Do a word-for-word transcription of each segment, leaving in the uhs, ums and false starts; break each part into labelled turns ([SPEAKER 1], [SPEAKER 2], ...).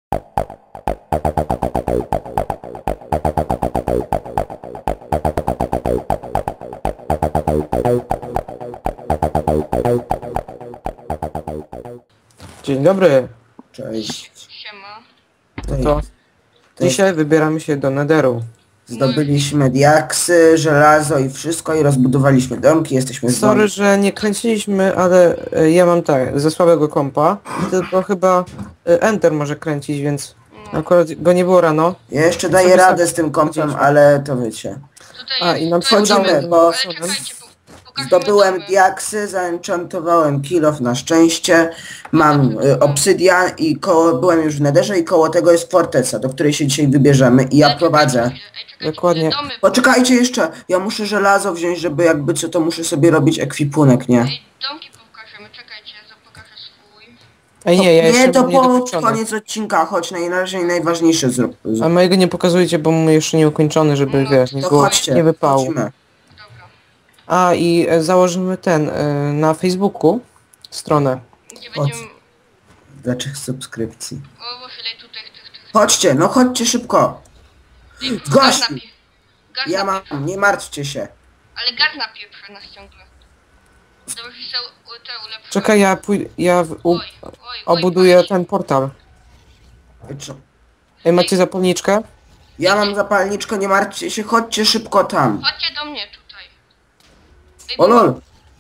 [SPEAKER 1] Dzień dobry.
[SPEAKER 2] Cześć.
[SPEAKER 3] Siema.
[SPEAKER 1] To dzisiaj wybieramy się do Netheru.
[SPEAKER 2] Zdobyliśmy diaksy, żelazo i wszystko i rozbudowaliśmy domki, jesteśmy z
[SPEAKER 1] Sorry, że nie kręciliśmy, ale e, ja mam tak, ze słabego kompa, tylko chyba e, Enter może kręcić, więc akurat go nie było rano.
[SPEAKER 2] Ja jeszcze daję
[SPEAKER 1] sobie
[SPEAKER 2] radę
[SPEAKER 1] sam
[SPEAKER 2] z tym kompem,
[SPEAKER 1] powiedzieliśmy.
[SPEAKER 2] ale to wiecie.
[SPEAKER 3] Tutaj
[SPEAKER 1] A,
[SPEAKER 3] jest,
[SPEAKER 1] i nam
[SPEAKER 3] to jest
[SPEAKER 1] wchodzimy,
[SPEAKER 3] domek.
[SPEAKER 2] bo
[SPEAKER 3] Ale czekajcie, po, pokażemy
[SPEAKER 2] Zdobyłem
[SPEAKER 3] domy.
[SPEAKER 2] diaksy, zaenchantowałem kill off na szczęście, mam y, obsydian i koło, byłem już w Netherze i koło tego jest forteca, do której się dzisiaj wybierzemy i ja
[SPEAKER 3] Ale
[SPEAKER 2] prowadzę.
[SPEAKER 3] czekajcie chwilę, ej, czekajcie
[SPEAKER 1] Dokładnie.
[SPEAKER 3] chwilę, domy.
[SPEAKER 2] Poczekajcie jeszcze, ja muszę żelazo wziąć, żeby jakby co to muszę sobie robić ekwipunek, nie?
[SPEAKER 3] Ej, domki pokażemy, czekajcie, ja pokażę swój.
[SPEAKER 1] Ej nie, ja
[SPEAKER 2] nie,
[SPEAKER 1] jeszcze
[SPEAKER 2] to
[SPEAKER 1] mam nie
[SPEAKER 2] po
[SPEAKER 1] dokończony.
[SPEAKER 2] koniec odcinka, chodź, naj, na razie najważniejsze zrób.
[SPEAKER 1] A mojego nie pokazujcie, bo mamy jeszcze nie ukończony, żeby
[SPEAKER 3] No,
[SPEAKER 1] wiesz, nie
[SPEAKER 2] To
[SPEAKER 1] było
[SPEAKER 2] chodźcie,
[SPEAKER 1] nie wypału.
[SPEAKER 2] chodźmy.
[SPEAKER 3] Dobra.
[SPEAKER 1] A i e, założymy ten e, na Facebooku stronę.
[SPEAKER 3] Gdzie
[SPEAKER 2] Chodź.
[SPEAKER 3] będziemy...
[SPEAKER 2] Dla trzech subskrypcji.
[SPEAKER 3] O, bo chwilę tutaj tych, tych...
[SPEAKER 2] Chodźcie, no chodźcie szybko.
[SPEAKER 3] Ej,
[SPEAKER 2] Gość!
[SPEAKER 3] Gaz napie... Gaz
[SPEAKER 2] Ja mam,
[SPEAKER 3] napie...
[SPEAKER 2] nie martwcie się.
[SPEAKER 3] Ale gaz napieprze nas ciągle. Dobrze, że są u- te ulepszone.
[SPEAKER 1] Czekaj, ja pójdę, ja w, u,
[SPEAKER 3] Oj, oj, oj,
[SPEAKER 1] obuduję
[SPEAKER 3] patrz.
[SPEAKER 1] ten portal.
[SPEAKER 2] Co?
[SPEAKER 1] Ej, macie zapalniczkę?
[SPEAKER 2] Ja mam zapalniczkę, nie martwcie się, chodźcie szybko tam.
[SPEAKER 3] Chodźcie do mnie tutaj. Ej,
[SPEAKER 2] O lol.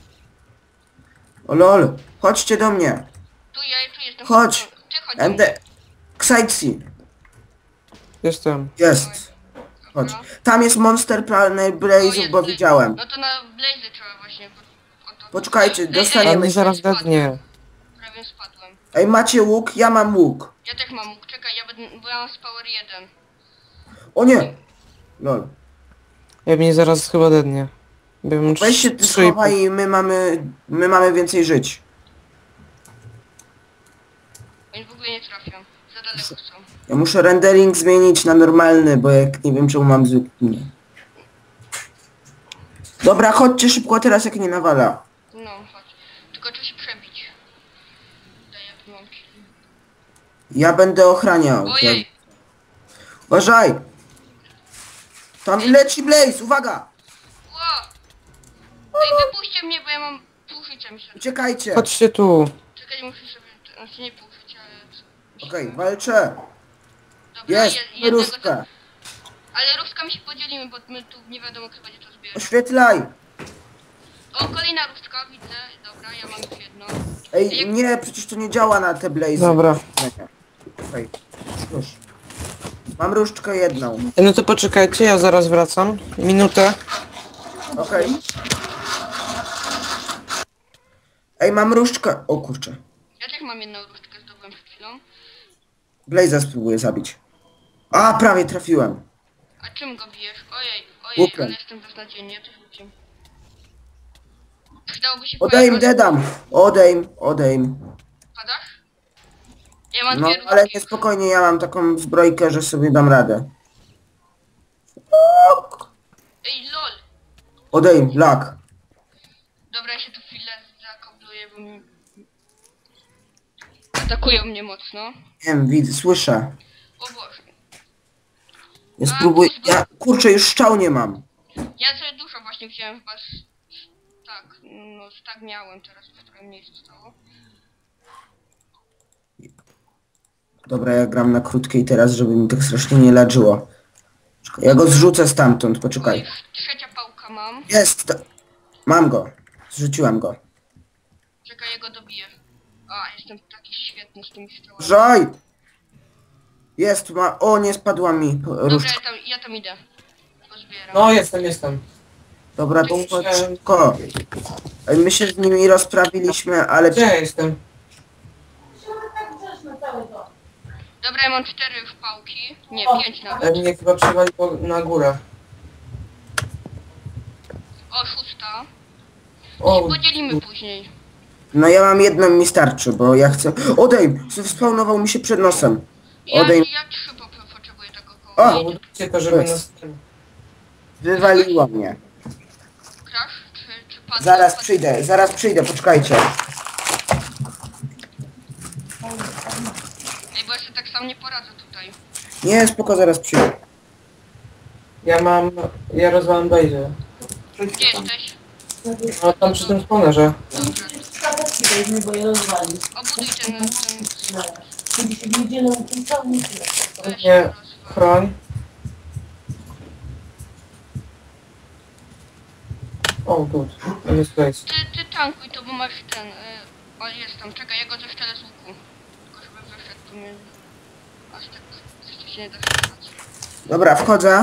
[SPEAKER 2] O lol, chodźcie do mnie.
[SPEAKER 3] Tu ja, tu jestem.
[SPEAKER 2] Chodź.
[SPEAKER 3] Ty chodź do mnie.
[SPEAKER 2] M D... Ksajci.
[SPEAKER 1] Jestem.
[SPEAKER 2] Jest. Chodź. Tam jest Monster Planet Blaze'ów, bo widziałem.
[SPEAKER 3] No to na Blaze trzeba właśnie. bo- o to-
[SPEAKER 2] Poczekajcie,
[SPEAKER 3] Ej, ej,
[SPEAKER 2] dostaniemy
[SPEAKER 1] A
[SPEAKER 2] się.
[SPEAKER 1] mnie zaraz
[SPEAKER 3] spadłem.
[SPEAKER 1] dednie.
[SPEAKER 3] Prawie spadłem.
[SPEAKER 2] Ej, macie łuk? Ja mam łuk.
[SPEAKER 3] Ja też mam łuk, czekaj, ja będę, bo ja mam z power jeden.
[SPEAKER 2] O nie. Lol.
[SPEAKER 1] Ja mnie zaraz chyba dednie. Bym
[SPEAKER 2] Weź się ty schowaj i my mamy... My mamy więcej żyć.
[SPEAKER 3] Oni w ogóle nie trafią, za daleko są.
[SPEAKER 2] Ja muszę rendering zmienić na normalny, bo jak nie wiem czemu mam zwykły. Dobra, chodźcie szybko teraz jak nie nawala.
[SPEAKER 3] No, chodź. Tylko trzeba się przebić. Daj, jak mam kill.
[SPEAKER 2] Ja będę ochraniał.
[SPEAKER 3] Ojej!
[SPEAKER 2] Uważaj! Tam leci Blaze, uwaga!
[SPEAKER 3] Ło! Ej, wypuśćcie mnie, bo ja mam pół życia, myślę.
[SPEAKER 2] Uciekajcie!
[SPEAKER 1] Chodźcie tu.
[SPEAKER 3] Czekaj, muszę sobie, znaczy nie pół życia, ale... co-
[SPEAKER 2] Okej, walczę!
[SPEAKER 3] Dobra,
[SPEAKER 2] Jest,
[SPEAKER 3] je- jednego
[SPEAKER 2] różka!
[SPEAKER 3] za- Ale różkami się podzielimy, bo my tu nie wiadomo kto będzie to zbierał.
[SPEAKER 2] Oświetlaj!
[SPEAKER 3] O, kolejna różdżka, widzę. Dobra, ja mam już jedną.
[SPEAKER 2] Ej, nie, przecież to nie działa na te Blaze.
[SPEAKER 1] Dobra.
[SPEAKER 2] Okej, już. Mam różdżkę jedną.
[SPEAKER 1] Ej, no to poczekajcie, ja zaraz wracam. Minutę.
[SPEAKER 2] Okej. Ej, mam różdżkę. O kurczę.
[SPEAKER 3] Ja też mam jedną różdżkę, zdobyłem przed chwilą.
[SPEAKER 2] Blaze'a spróbuję zabić. A, prawie trafiłem.
[SPEAKER 3] A czym go bijesz? Ojej, ojej,
[SPEAKER 2] Łukiem.
[SPEAKER 3] ale jestem beznadziejny, ja też łukiem. Przydałoby się
[SPEAKER 2] Odejm,
[SPEAKER 3] pojechać.
[SPEAKER 2] dedam! Odejm, odejm.
[SPEAKER 3] Padasz? Ja mam
[SPEAKER 2] No,
[SPEAKER 3] dwie różdżki.
[SPEAKER 2] ale nie spokojnie, ja mam taką zbrojkę, że sobie dam radę.
[SPEAKER 3] Ej, lol!
[SPEAKER 2] Odejm, lak.
[SPEAKER 3] Dobra, ja się tu chwilę zakobluję, bo mi... Atakują mnie mocno.
[SPEAKER 2] Wiem, widzę, słyszę.
[SPEAKER 3] O Boże.
[SPEAKER 2] Ja spróbuję, ja, kurczę, już szczał nie mam.
[SPEAKER 3] Ja sobie dużo właśnie wziąłem chyba z... Tak, no tak miałem, teraz już trochę mniej zostało.
[SPEAKER 2] Dobra, ja gram na krótkiej teraz, żeby mi tak strasznie nie leczyło. Czekaj, ja go zrzucę stamtąd,
[SPEAKER 3] Oj,
[SPEAKER 2] poczekaj.
[SPEAKER 3] trzecia pałka mam.
[SPEAKER 2] Jest! to- Mam go. Zrzuciłem go.
[SPEAKER 3] Czekaj, ja go dobiję. A, jestem taki świetny z tymi strzałami.
[SPEAKER 2] Żaj! Jest, ma... O, nie spadła mi
[SPEAKER 3] Dobra,
[SPEAKER 2] różdżka.
[SPEAKER 3] ja tam, ja tam idę. Pozbieram.
[SPEAKER 1] No, jestem, jestem.
[SPEAKER 2] Dobra, to chodź szybko. Ej, my się z nimi rozprawiliśmy, ale...
[SPEAKER 1] Gdzie ja jestem?
[SPEAKER 3] Dobra, ja mam cztery już pałki. Nie, pięć
[SPEAKER 1] Ej,
[SPEAKER 3] nawet.
[SPEAKER 1] mnie chyba przewaliło na górę.
[SPEAKER 3] O, szósta.
[SPEAKER 1] O,
[SPEAKER 3] Podzielimy później.
[SPEAKER 2] No ja mam jedną, mi starczy, bo ja chcę... Odejm! Spawnował mi się przed nosem.
[SPEAKER 3] Ja,
[SPEAKER 2] Odejm...
[SPEAKER 3] ja trzy po, po, potrzebuję tego koło.
[SPEAKER 2] O!
[SPEAKER 1] budujcie to, żeby
[SPEAKER 2] Jest.
[SPEAKER 1] nas...
[SPEAKER 2] Wywaliło mnie.
[SPEAKER 3] Crash? Czy, czy padł?
[SPEAKER 2] Zaraz
[SPEAKER 3] Padł-
[SPEAKER 2] przyjdę, zaraz przyjdę, poczekajcie.
[SPEAKER 3] Ej, bo ja sobie tak samo sam nie poradzę tutaj.
[SPEAKER 2] Nie, spoko, zaraz przyjdę.
[SPEAKER 1] Ja mam... Ja rozwalam bejdę.
[SPEAKER 3] Gdzie jesteś?
[SPEAKER 1] No tam przy tym spawnerze.
[SPEAKER 3] Dobrze.
[SPEAKER 4] Bo je rozwali.
[SPEAKER 3] Obuduj ten... ten...
[SPEAKER 4] Kiedy się w niedzielę uczęcało, nie tyle.
[SPEAKER 3] weź
[SPEAKER 1] Nie,
[SPEAKER 3] rozwal.
[SPEAKER 1] chroń. O, tu. To jest place.
[SPEAKER 3] Ty, ty tankuj to, bo masz ten... Y... O, jest tam, czekaj, ja go zeszczelę z łuku. Tylko żeby wyszedł tu mnie... Aż tak... Jeszcze się nie da strzelać.
[SPEAKER 2] Dobra, wchodzę.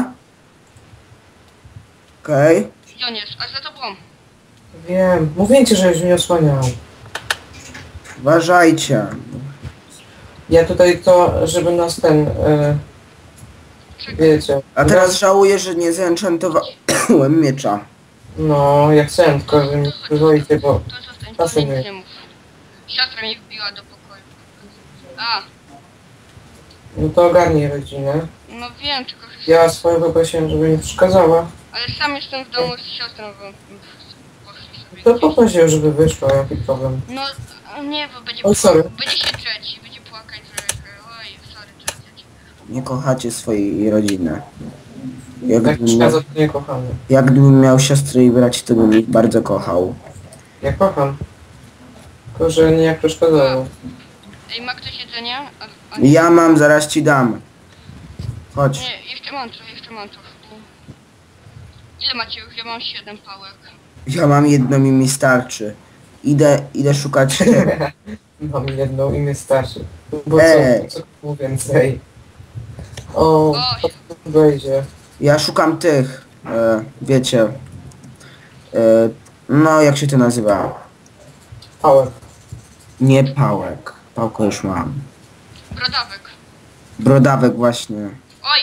[SPEAKER 2] Okej. Okay.
[SPEAKER 3] Gdzie on jest? A za tobą.
[SPEAKER 1] Wiem. Mówię ci, żebyś mnie osłaniał.
[SPEAKER 2] Uważajcie.
[SPEAKER 1] Ja tutaj to, żeby nas ten... E,
[SPEAKER 3] Czekaj.
[SPEAKER 1] wiecie.
[SPEAKER 2] A teraz żałuję, że nie zenchantowałem miecza.
[SPEAKER 1] No, ja chciałem, tylko że mi przyzwoicie, bo...
[SPEAKER 3] To zostań,
[SPEAKER 1] Czasem
[SPEAKER 3] to nic
[SPEAKER 1] nie.
[SPEAKER 3] nie mów. Siostra mnie wbiła do pokoju. A,
[SPEAKER 1] No to ogarnij rodzinę.
[SPEAKER 3] no wiem, tylko że...
[SPEAKER 1] Ja swoją poprosiłem, żeby mi przeszkadzała.
[SPEAKER 3] Ale sam jestem w domu z siostrą, bo poszli sobie
[SPEAKER 1] To
[SPEAKER 3] gdzieś.
[SPEAKER 1] poproś ją, żeby wyszła, jaki problem.
[SPEAKER 3] No, a nie, bo będzie,
[SPEAKER 1] Oj, sorry.
[SPEAKER 3] będzie się drzeć, będzie płakać, że... Oj, sorry, teraz ja cię...
[SPEAKER 2] Nie kochacie swojej rodziny.
[SPEAKER 1] Jak
[SPEAKER 2] Jakbym
[SPEAKER 1] przeszkadza,
[SPEAKER 2] miał,
[SPEAKER 1] to nie kochamy.
[SPEAKER 2] jakbym miał siostrę i braci, to bym ich bardzo kochał.
[SPEAKER 1] Ja kocham. Tylko, że nie jak przeszkadzało.
[SPEAKER 3] Ej, ma ktoś jedzenie? A, a
[SPEAKER 2] Ja mam, zaraz ci dam. Chodź.
[SPEAKER 3] Nie, jeszcze mam trochę, jeszcze mam trochę. Ile macie już? Ja mam siedem pałek.
[SPEAKER 2] Ja mam jedną i mi starczy. Idę, idę szukać...
[SPEAKER 1] Mam jedną i mnie starczy. Bo
[SPEAKER 2] Ej.
[SPEAKER 1] co, co mu więcej? O,
[SPEAKER 3] Oj.
[SPEAKER 1] to wejdzie.
[SPEAKER 2] Ja szukam tych, e, wiecie... E, no, jak się to nazywa?
[SPEAKER 1] Power.
[SPEAKER 2] Nie pałek. Pałkę już mam.
[SPEAKER 3] Brodawek.
[SPEAKER 2] Brodawek właśnie.
[SPEAKER 3] Oj,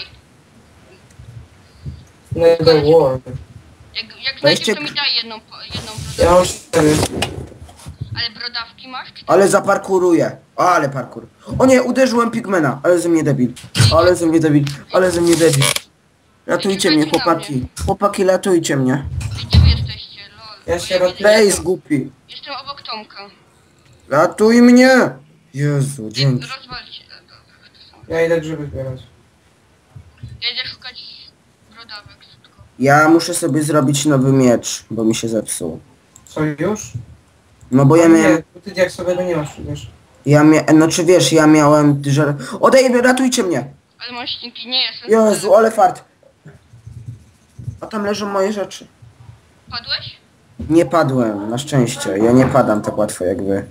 [SPEAKER 1] Nether World.
[SPEAKER 3] jak, jak znajdziesz,
[SPEAKER 2] Weźcie-
[SPEAKER 3] to mi daj jedną, po- jedną
[SPEAKER 1] Ja mam
[SPEAKER 3] brodawkę.
[SPEAKER 1] cztery.
[SPEAKER 3] Ale brodawki masz? Czy...
[SPEAKER 2] Ale zaparkuruję. O, ale parkur. O nie, uderzyłem pigmena. Ale ze mnie debil. Ale ze mnie debil. Ale ze mnie debil. Ratujcie mnie, chłopaki. Chłopaki, ratujcie mnie.
[SPEAKER 3] Gdzie wy jesteście? Lol.
[SPEAKER 1] Ja
[SPEAKER 3] Bo
[SPEAKER 1] się
[SPEAKER 3] nie-
[SPEAKER 1] ratuję.
[SPEAKER 2] Place głupi.
[SPEAKER 3] Jestem obok Tomka.
[SPEAKER 2] Ratuj mnie. Jezu, dzięki.
[SPEAKER 3] Rozwalcie. e, dobra, to samo.
[SPEAKER 1] Ja idę grzyby zbierać.
[SPEAKER 3] Ja idę szukać brodawek. Tylko.
[SPEAKER 2] Ja muszę sobie zrobić nowy miecz, bo mi się zepsuł.
[SPEAKER 1] Co, już?
[SPEAKER 2] No bo ja
[SPEAKER 1] nie,
[SPEAKER 2] miałem...
[SPEAKER 1] ty jak sobie go nie masz, wiesz.
[SPEAKER 2] Ja mia... No czy wiesz, ja miałem... Że... Odej, ratujcie mnie.
[SPEAKER 3] Ale mam ścinki, nie jestem.
[SPEAKER 2] Jezu, ale fart. A tam leżą moje rzeczy.
[SPEAKER 3] Padłeś?
[SPEAKER 2] Nie padłem, na szczęście. Ja nie padam tak łatwo jak wy.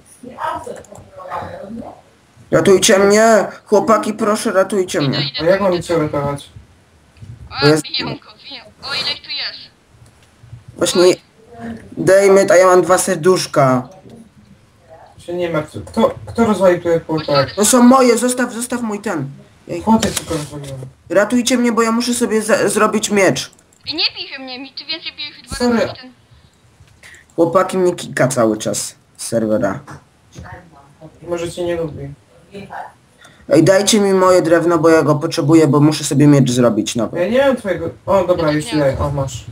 [SPEAKER 2] Ratujcie mnie! Chłopaki, proszę, ratujcie
[SPEAKER 3] Idę,
[SPEAKER 2] mnie.
[SPEAKER 1] A
[SPEAKER 3] idę.
[SPEAKER 1] jak mam cię uratować?
[SPEAKER 3] A,
[SPEAKER 2] jest-
[SPEAKER 3] biją go, biją. O, ile ich tu jest?
[SPEAKER 2] Właśnie... Dejmy, a ja mam dwa serduszka.
[SPEAKER 1] Się nie ma. Kto, kto rozwalił tutaj portal?
[SPEAKER 2] To są moje, zostaw, zostaw mój ten. Ej,
[SPEAKER 1] Chłopie tylko rozwaliłem.
[SPEAKER 2] ratujcie mnie, bo ja muszę sobie za- zrobić miecz.
[SPEAKER 3] I nie bij się mnie, mi ty więcej bijesz dwa
[SPEAKER 1] Sorry.
[SPEAKER 3] razy niż ten...
[SPEAKER 2] Chłopaki mnie kika cały czas z serwera.
[SPEAKER 1] Może cię nie lubi.
[SPEAKER 2] Ej, dajcie mi moje drewno, bo ja go potrzebuję, bo muszę sobie miecz zrobić nowy.
[SPEAKER 1] Ja nie mam twojego... O, dobra, już ci daję. O, masz.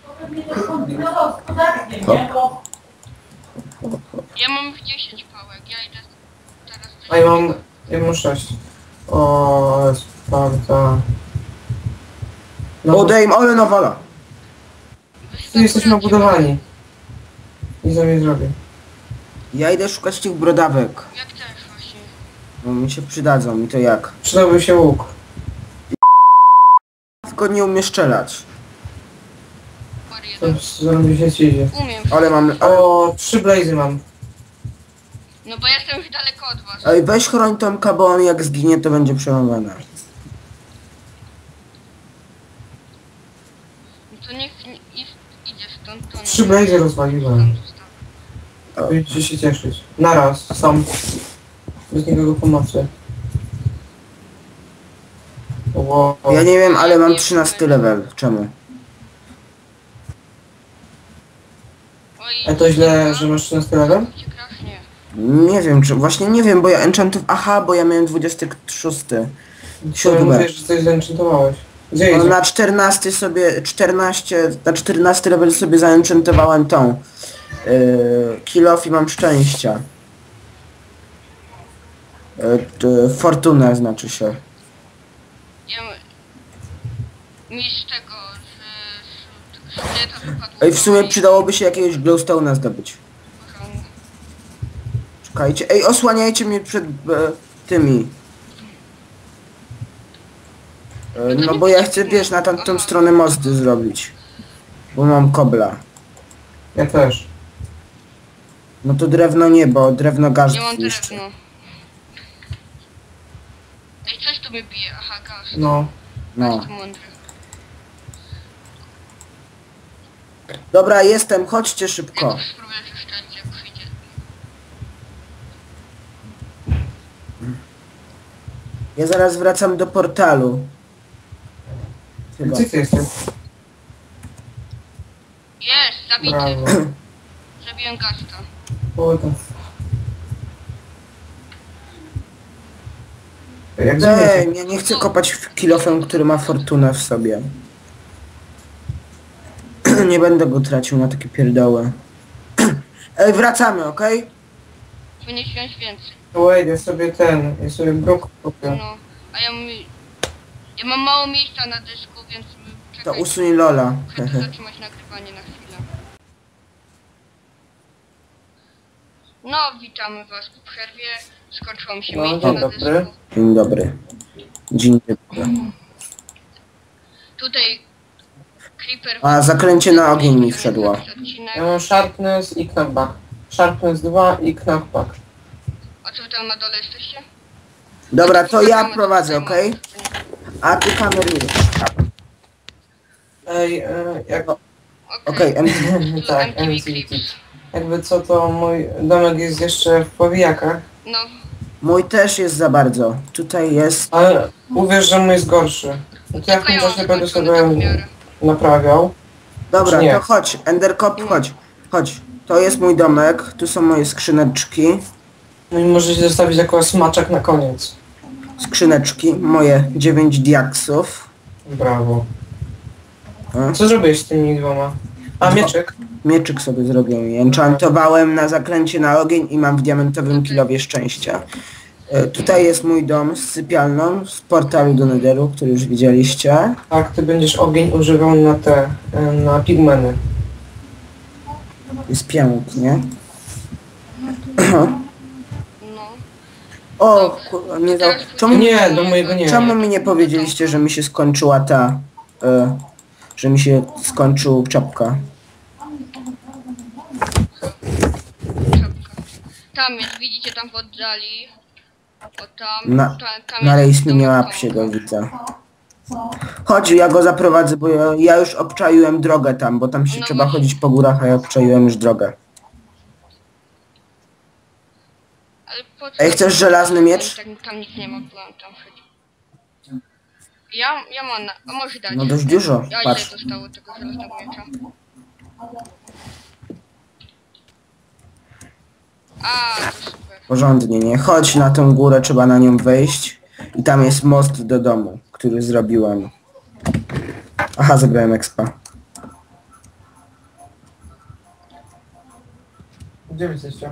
[SPEAKER 3] Ja mam już dziesięć pałek, ja idę teraz... coś
[SPEAKER 1] A ja mam...
[SPEAKER 3] takiego.
[SPEAKER 1] Ja mam sześć. O, Sparta. No,
[SPEAKER 2] Odejm, ale nawala.
[SPEAKER 1] tu jesteśmy obudowani. I za mnie zrobię.
[SPEAKER 2] Ja idę szukać tych brodawek.
[SPEAKER 3] Jak też właśnie.
[SPEAKER 2] Bo mi się przydadzą i to jak?
[SPEAKER 1] Przydałby się łuk.
[SPEAKER 2] Tylko nie umiem strzelać.
[SPEAKER 3] Par
[SPEAKER 1] To
[SPEAKER 3] jeden.
[SPEAKER 1] zrobi się ci idzie.
[SPEAKER 3] Umiem.
[SPEAKER 2] Ale mam... Ale...
[SPEAKER 1] O, trzy blazy mam.
[SPEAKER 3] No bo jestem już daleko od was.
[SPEAKER 2] Ej, weź chroń Tomka, bo on jak zginie, to będzie przerąbane.
[SPEAKER 3] No to niech nie, is- idzie stąd, to nie.
[SPEAKER 1] Trzy blazy rozwaliłem.
[SPEAKER 3] Tam zostaw.
[SPEAKER 1] Będziecie się cieszyć. Naraz, sam. Bez nikogo pomocy. Wow.
[SPEAKER 2] Ja nie wiem, ale mam trzynasty level. Czemu?
[SPEAKER 3] Oj,
[SPEAKER 1] A to źle, że masz trzynasty level?
[SPEAKER 3] cię krasznie.
[SPEAKER 2] Nie wiem, czy... Właśnie nie wiem, bo ja enchantów... Aha, bo ja miałem dwudziesty szósty.
[SPEAKER 1] To
[SPEAKER 2] Siódme.
[SPEAKER 1] mówisz, że coś zenchantowałeś. Gdzie
[SPEAKER 2] No,
[SPEAKER 1] idzie?
[SPEAKER 2] na czternasty sobie... czternaście... Na czternasty level sobie zaenchantowałem tą... Yy, kill off i mam szczęścia. E, t, fortunę znaczy się.
[SPEAKER 3] Ja... Mi z tego, że... że szkieleta wypadło.
[SPEAKER 2] Ej, w sumie przydałoby się jakiegoś glowstone'a zdobyć. Czekajcie. Ej, osłaniajcie mnie przed e, tymi. E, no bo ja chcę, wiesz, na tamtą stronę mosty zrobić. Bo mam kobla.
[SPEAKER 1] Ja też.
[SPEAKER 2] No to drewno nie, bo drewno gaz
[SPEAKER 3] Nie mam
[SPEAKER 2] niszczy.
[SPEAKER 3] drewno. Ej, coś tu mnie bije. Aha, gaz.
[SPEAKER 1] No.
[SPEAKER 2] No.
[SPEAKER 3] Jest mądry.
[SPEAKER 2] Dobra, jestem, chodźcie
[SPEAKER 3] Ja
[SPEAKER 2] szybko.
[SPEAKER 3] go spróbuję przeszczelić, jak przyjdzie.
[SPEAKER 2] Ja zaraz wracam do portalu. Chyba.
[SPEAKER 1] Gdzie ty jesteś?
[SPEAKER 3] Jest, zabity.
[SPEAKER 1] Brawo.
[SPEAKER 3] Zabiłem gasta.
[SPEAKER 1] O, to... Jak zmieniasz?
[SPEAKER 2] Ej, ja nie chcę kopać w kilofem, który ma fortunę w sobie. Nie będę go tracił na takie pierdoły. Ej, wracamy, okej?
[SPEAKER 3] Powinien wziąć więcej.
[SPEAKER 1] Wait, ja sobie ten, ja sobie brok kupię.
[SPEAKER 3] No, a ja mi... Ja mam mało miejsca na dysku, więc...
[SPEAKER 2] To
[SPEAKER 3] Czekaj,
[SPEAKER 2] usuń Lola.
[SPEAKER 3] chcę zatrzymać nagrywanie na chwilę. No, witamy was po przerwie. Skończyło mi się
[SPEAKER 1] No,
[SPEAKER 3] miejsce
[SPEAKER 1] dzień
[SPEAKER 3] na
[SPEAKER 1] dobry.
[SPEAKER 3] dysku.
[SPEAKER 2] Dzień dobry. Dzień dobry.
[SPEAKER 3] Tutaj... Creeper...
[SPEAKER 2] A, zaklęcie na ogień mi wszedło.
[SPEAKER 3] Odcinek.
[SPEAKER 1] Ja mam Sharpness i Knockback. Sharpness dwa i Knockback.
[SPEAKER 3] A co wy tam na dole jesteście?
[SPEAKER 2] Dobra, to ja prowadzę, okej? A ty kamerujesz.
[SPEAKER 1] Ej, e, jak...
[SPEAKER 2] Okej, em,
[SPEAKER 1] tak,
[SPEAKER 3] M T V
[SPEAKER 1] M T V.
[SPEAKER 3] Clips.
[SPEAKER 1] Jakby co, to mój domek jest jeszcze w powijakach.
[SPEAKER 3] No,
[SPEAKER 2] mój też jest za bardzo. Tutaj jest...
[SPEAKER 1] Ale uwierz, że mój jest gorszy. No to ja w
[SPEAKER 3] tylko
[SPEAKER 1] tym
[SPEAKER 3] ja mam
[SPEAKER 1] czasie będę
[SPEAKER 3] zakończony tak w
[SPEAKER 1] sobie
[SPEAKER 3] miarę.
[SPEAKER 1] naprawiał.
[SPEAKER 2] Dobra,
[SPEAKER 1] Czy nie?
[SPEAKER 2] to chodź, Endercop, chodź. Chodź. To jest mój domek, tu są moje skrzyneczki.
[SPEAKER 1] No i możecie zostawić jako smaczek na koniec.
[SPEAKER 2] Skrzyneczki, moje dziewięć diaksów.
[SPEAKER 1] Brawo.
[SPEAKER 2] A?
[SPEAKER 1] Co zrobiłeś z tymi dwoma? A, mieczek?
[SPEAKER 2] Mieczyk sobie zrobiłem i enchantowałem na zaklęcie na ogień i mam w diamentowym kilowie szczęścia. E, tutaj jest mój dom z sypialną z portalu do Netheru, który już widzieliście.
[SPEAKER 1] Tak, ty będziesz ogień używał na te, e, na pigmeny.
[SPEAKER 2] Jest pięknie.
[SPEAKER 3] No.
[SPEAKER 2] O, kurwa, nie za... Czemu,
[SPEAKER 1] Nie, do mojego nie.
[SPEAKER 2] czemu mi nie powiedzieliście, że mi się skończyła ta... E, że mi się skończył czapka?
[SPEAKER 3] Czapka. Tam jest, widzicie tam w oddali. O tam,
[SPEAKER 2] Na,
[SPEAKER 3] tam, tam
[SPEAKER 2] na
[SPEAKER 3] jest
[SPEAKER 2] rejs mi nie
[SPEAKER 3] domek
[SPEAKER 2] łap się
[SPEAKER 3] Tomka.
[SPEAKER 2] go widzę. Chodź, ja go zaprowadzę, bo ja, ja już obczaiłem drogę tam, bo tam się
[SPEAKER 3] No
[SPEAKER 2] trzeba
[SPEAKER 3] właśnie.
[SPEAKER 2] chodzić po górach, a ja obczaiłem już drogę.
[SPEAKER 3] Ale po co?
[SPEAKER 2] Ej, chcesz żelazny miecz?
[SPEAKER 3] Tam, tam nic nie ma, plan tam chodzi. Ja, ja mam na... A może dać.
[SPEAKER 2] No dość dużo,
[SPEAKER 3] Ja ile
[SPEAKER 2] patrz.
[SPEAKER 3] zostało tego żelaznego miecza? A, to super.
[SPEAKER 2] Porządnie, nie? Chodź na tą górę, trzeba na nią wejść. I tam jest most do domu, który zrobiłem. Aha, zabrałem expa.
[SPEAKER 1] Gdzie wy jesteście?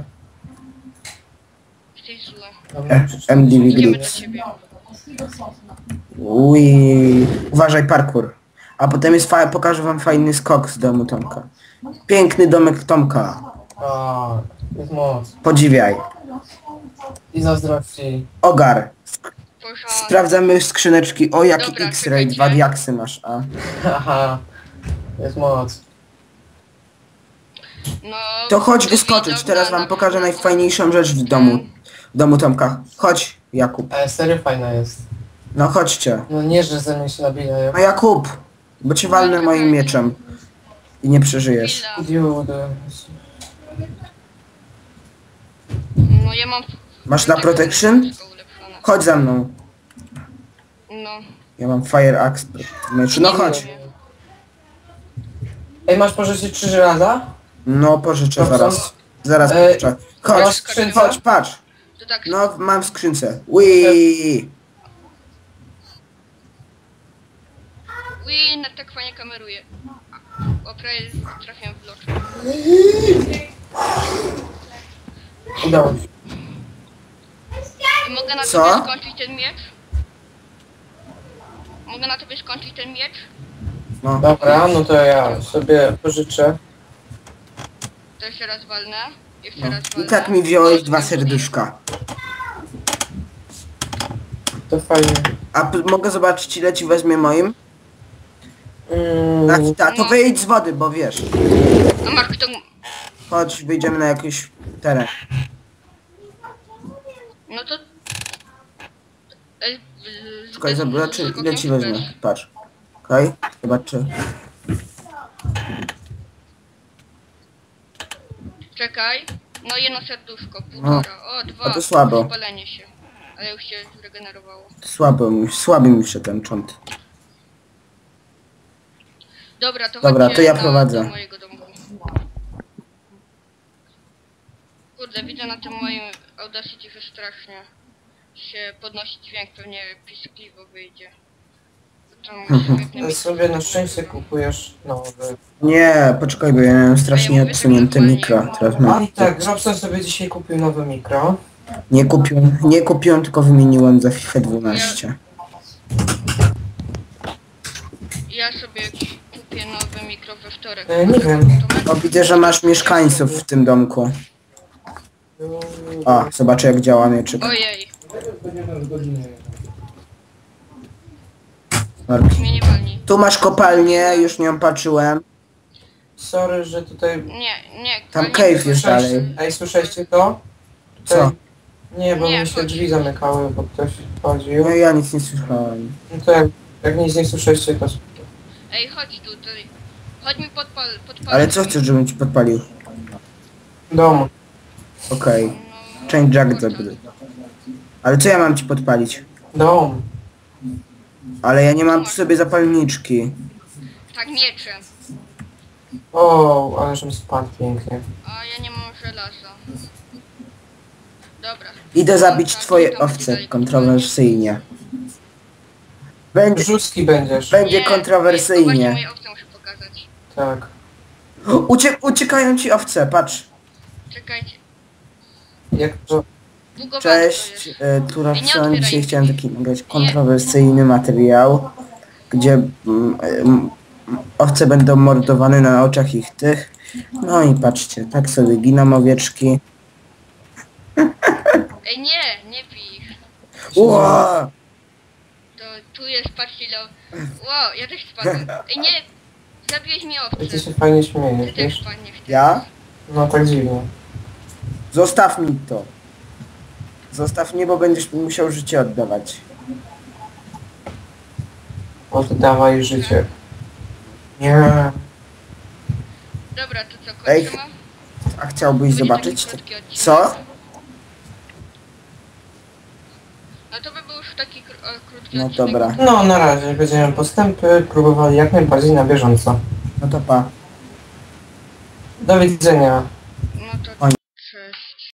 [SPEAKER 3] Jesteś zły.
[SPEAKER 1] Dobra,
[SPEAKER 2] E,
[SPEAKER 1] przeczytam.
[SPEAKER 2] M D V
[SPEAKER 3] Idziemy do
[SPEAKER 2] Grips.
[SPEAKER 3] ciebie.
[SPEAKER 2] Ui, uważaj, parkour. A potem jest fa pokażę wam fajny skok z domu Tomka. Piękny domek Tomka.
[SPEAKER 1] A, jest moc.
[SPEAKER 2] Podziwiaj.
[SPEAKER 1] I zazdrości.
[SPEAKER 2] Ogar.
[SPEAKER 3] Porządek.
[SPEAKER 2] Sprawdzamy skrzyneczki. O, jaki
[SPEAKER 3] Dobra,
[SPEAKER 2] X-ray,
[SPEAKER 3] czekajcie.
[SPEAKER 2] dwa diaksy masz, a.
[SPEAKER 1] Haha. Jest moc.
[SPEAKER 3] No,
[SPEAKER 2] To chodź
[SPEAKER 3] to
[SPEAKER 2] wyskoczyć,
[SPEAKER 3] widok
[SPEAKER 2] teraz
[SPEAKER 3] na-
[SPEAKER 2] wam pokażę najfajniejszą rzecz w domu. W domu Tomka. Chodź, Jakub.
[SPEAKER 1] Ale serio fajna jest.
[SPEAKER 2] No chodźcie.
[SPEAKER 1] No nie, że ze mnie się nabijają.
[SPEAKER 2] No Jakub, bo cię walnę moim mieczem. I nie przeżyjesz.
[SPEAKER 3] Chwila.
[SPEAKER 1] Idiot.
[SPEAKER 3] No ja mam...
[SPEAKER 2] Masz na protection?
[SPEAKER 3] Wszystko ulepszone.
[SPEAKER 2] Chodź za mną.
[SPEAKER 3] No.
[SPEAKER 2] Ja mam fire axe w meczu. No chodź.
[SPEAKER 1] Ej, masz pożyczyć trzy żelaza?
[SPEAKER 2] No pożyczę
[SPEAKER 1] Dobrze.
[SPEAKER 2] zaraz. Zaraz
[SPEAKER 1] Ej,
[SPEAKER 2] pożyczę.
[SPEAKER 1] masz
[SPEAKER 2] Chodź,
[SPEAKER 1] skrzynkę?
[SPEAKER 2] chodź, patrz.
[SPEAKER 3] To tak...
[SPEAKER 2] No mam w skrzynce. Wii.
[SPEAKER 3] Ui, na tak fajnie kameruje. O, prawie trafiłem w loczkę.
[SPEAKER 1] Udało się.
[SPEAKER 3] I mogę mogę na
[SPEAKER 2] Co?
[SPEAKER 3] tobie skończyć ten miecz? Mogę na tobie skończyć ten miecz?
[SPEAKER 2] No.
[SPEAKER 1] Dobra, no to ja sobie pożyczę.
[SPEAKER 3] To jeszcze raz walnę. Jeszcze
[SPEAKER 2] No.
[SPEAKER 3] raz
[SPEAKER 2] I
[SPEAKER 3] walnę.
[SPEAKER 2] tak mi wziąłeś
[SPEAKER 3] O,
[SPEAKER 2] dwa
[SPEAKER 3] tak,
[SPEAKER 2] serduszka.
[SPEAKER 1] To fajnie.
[SPEAKER 2] A p- mogę zobaczyć ile ci weźmie moim?
[SPEAKER 1] Mm,
[SPEAKER 2] Tak, ta, to wyjdź z wody, bo wiesz.
[SPEAKER 3] No Mark, to...
[SPEAKER 2] Chodź, wyjdziemy na jakiś teren.
[SPEAKER 3] No to... Ej, z-
[SPEAKER 2] Czekaj,
[SPEAKER 3] z-
[SPEAKER 2] zobaczy
[SPEAKER 3] z-
[SPEAKER 2] ile ci
[SPEAKER 3] z-
[SPEAKER 2] weźmie. Patrz. Okej, zobaczy.
[SPEAKER 3] Czekaj. No jedno serduszko, półtora. O, dwa.
[SPEAKER 2] A to słabo.
[SPEAKER 3] Spalenie się. Ale już się zregenerowało.
[SPEAKER 2] Słabo mi, słaby mi się ten cząt.
[SPEAKER 3] Dobra, to
[SPEAKER 2] Dobra,
[SPEAKER 3] chodźcie
[SPEAKER 2] to ja
[SPEAKER 3] na,
[SPEAKER 2] prowadzę.
[SPEAKER 3] do mojego domku. Kurde, widzę na tym moim Audacity, że strasznie się podnosi dźwięk, pewnie piskliwo wyjdzie. Tam świetny
[SPEAKER 1] to
[SPEAKER 3] mikrofon.
[SPEAKER 1] sobie na szczęście kupujesz nowy.
[SPEAKER 2] Nie, poczekaj, bo ja miałem strasznie odsunięte mikro. Teraz
[SPEAKER 1] A
[SPEAKER 2] mam.
[SPEAKER 1] i tak, Robson sobie dzisiaj kupił nowe mikro.
[SPEAKER 2] Nie kupiłem, nie kupiłem, tylko wymieniłem za FIFA dwanaście.
[SPEAKER 3] Ja sobie kupię nowy mikro we wtorek.
[SPEAKER 1] E, nie wiem.
[SPEAKER 3] To
[SPEAKER 2] O, widzę, że masz mieszkańców w tym domku. O, zobaczę jak działa mieczyk.
[SPEAKER 3] Ojej,
[SPEAKER 2] Mark.
[SPEAKER 3] mnie nie walni.
[SPEAKER 2] Tu masz kopalnię, już nią patrzyłem.
[SPEAKER 1] Sorry, że tutaj...
[SPEAKER 3] Nie, nie.
[SPEAKER 2] Tam
[SPEAKER 3] nie-
[SPEAKER 2] cave jest dalej.
[SPEAKER 1] Słyszeliście- Ej, słyszeliście to?
[SPEAKER 2] Co?
[SPEAKER 1] Tutaj- Nie, bo
[SPEAKER 3] Nie,
[SPEAKER 1] mi się
[SPEAKER 3] chodź.
[SPEAKER 1] drzwi zamykały, bo ktoś wchodził.
[SPEAKER 2] No ja nic nie słyszałem.
[SPEAKER 1] No to jak, jak nic nie słyszeliście, to...
[SPEAKER 3] Ej, chodź tutaj. Chodź mi podpal, podpal.
[SPEAKER 2] Ale co chcesz, żebym ci podpalił?
[SPEAKER 1] Dom.
[SPEAKER 2] Okej.
[SPEAKER 3] No,
[SPEAKER 2] Change jack
[SPEAKER 3] portal.
[SPEAKER 2] zabry. Ale co ja mam ci podpalić?
[SPEAKER 1] Dom.
[SPEAKER 2] Ale ja nie mam przy sobie zapalniczki.
[SPEAKER 3] Tak, miecze.
[SPEAKER 1] O, ale żem spadł pięknie.
[SPEAKER 3] A ja nie mam żelaza. Dobra.
[SPEAKER 2] Idę zabić
[SPEAKER 3] Tak,
[SPEAKER 2] twoje
[SPEAKER 3] tam
[SPEAKER 2] owce,
[SPEAKER 3] dalej.
[SPEAKER 2] kontrowersyjnie. Będzie,
[SPEAKER 1] Brzuski będziesz.
[SPEAKER 2] będzie
[SPEAKER 3] Nie,
[SPEAKER 2] kontrowersyjnie.
[SPEAKER 3] właśnie moje owce muszę pokazać.
[SPEAKER 1] Tak.
[SPEAKER 2] Ucie, uciekają ci owce, patrz.
[SPEAKER 3] Czekajcie.
[SPEAKER 1] Jak to...
[SPEAKER 3] Bugowane
[SPEAKER 2] Cześć,
[SPEAKER 3] to jest.
[SPEAKER 2] e, tu
[SPEAKER 3] nie
[SPEAKER 2] Rapson.
[SPEAKER 3] otwieraj
[SPEAKER 2] Dzisiaj
[SPEAKER 3] drzwi.
[SPEAKER 2] chciałem taki nagrać kontrowersyjny materiał, gdzie mm, mm, owce będą mordowane na oczach ich tych. No i patrzcie, tak sobie giną owieczki.
[SPEAKER 3] Ej, nie, nie pij.
[SPEAKER 2] Ło!
[SPEAKER 3] To tu jest, patrzcie ile... Wow, ja też spadłem. Ej, nie! Zabiłeś mi
[SPEAKER 1] I ty
[SPEAKER 3] owce.
[SPEAKER 1] się fajnie
[SPEAKER 3] Ty
[SPEAKER 1] śmiejesz,
[SPEAKER 3] też
[SPEAKER 1] wiesz?
[SPEAKER 3] spadniesz.
[SPEAKER 2] Ja?
[SPEAKER 1] No tak dziwnie.
[SPEAKER 2] Zostaw mi to. Zostaw mnie, bo będziesz mi musiał życie oddawać.
[SPEAKER 1] Oddawaj życie. Nie.
[SPEAKER 3] Dobra, to co,
[SPEAKER 2] Ej,
[SPEAKER 3] kończymy?
[SPEAKER 2] A chciałbyś
[SPEAKER 3] Będzie
[SPEAKER 2] zobaczyć?
[SPEAKER 3] taki krótki odcinek.
[SPEAKER 2] Co?
[SPEAKER 3] No to by był już taki kró o, krótki
[SPEAKER 2] No
[SPEAKER 3] odcinek.
[SPEAKER 2] dobra.
[SPEAKER 1] No na razie będziemy postępy próbowali jak najbardziej na bieżąco.
[SPEAKER 2] No to pa.
[SPEAKER 1] Do widzenia.
[SPEAKER 3] No to